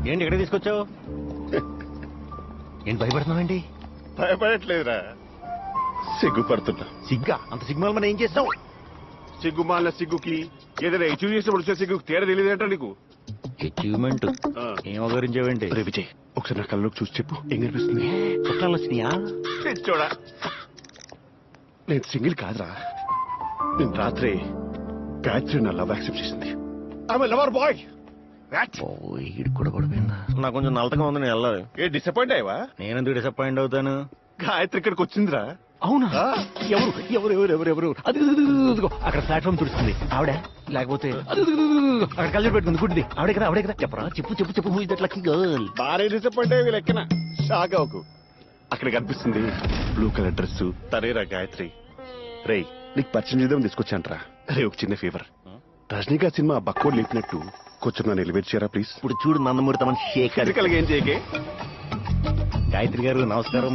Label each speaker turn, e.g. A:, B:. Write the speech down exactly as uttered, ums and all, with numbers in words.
A: ఏంటి ఇక్కడ తీసుకొచ్చావు? ఏంటి భయపడుతున్నావండి?
B: భయపడట్లేదురా, సిగ్గుపడుతున్నా.
A: సిగ్గా? అంత సిగ్గుమాల మనం ఏం చేస్తావు?
B: సిగ్గుమాలిన సిగ్గుకి ఏదైనా అచీవ్ చేసినప్పుడు వచ్చే సిగ్గుకి తేడా తెలియదంట నీకు.
A: అచీవ్మెంట్ ఏం అవగరించావేంటి?
B: రే విజయ్, ఒకసారి నా కళ్ళలోకి చూసి చెప్పు, ఏం కనిపిస్తుంది?
A: చుట్టాలు వచ్చినాయా?
B: చూడా, నేను సింగిల్ కాదురా. నేను రాత్రి గాయత్రి నా లవ్ యాక్సెప్ట్ చేసింది. ఆమె లవర్ బాయ్.
A: ఈడు కూడా పడిపోయిందా? నాకు కొంచెం నల్లగా ఉంది, నేను వెళ్ళాలి.
B: ఏ డిసప్పాయింట్ అయ్యవా?
A: నేనెందుకు డిసప్పాయింట్ అవుతాను?
B: గాయత్రి ఇక్కడికి వచ్చిందిరా.
A: అవునా? ఎవరు ఎవరు ఎవరు ఎవరు ఎవరు అది అక్కడ ప్లాట్ఫామ్ తుడుస్తుంది ఆవిడ, లేకపోతే అక్కడ కళ్ళు పెట్టుకుంది గుడ్డి ఆవిడే కదా? ఆవిడే కదా? చెప్పరా, చెప్పు చెప్పు చెప్పు. Who is that lucky girl?
B: భారీ డిసప్పాయింట్ అయ్యి లెక్కన షాక్ అవ్వకు. అక్కడ కనిపిస్తుంది బ్లూ కలర్ డ్రెస్, తనేరా గాయత్రి. రేయ్, నీకు పరిచయం చేద్దాం తీసుకొచ్చాంట్రా. రే, ఒక చిన్న ఫేవర్, రజనీకాంత్ సినిమా బక్కోడ్ లేపినట్టు కొంచెం నన్ను ఎలివేట్ చేయరా ప్లీజ్.
A: ఇప్పుడు చూడు నందమూరి తమన్ షేక్
B: ఏం చేయకే.
A: గాయత్రి గారు నమస్కారం.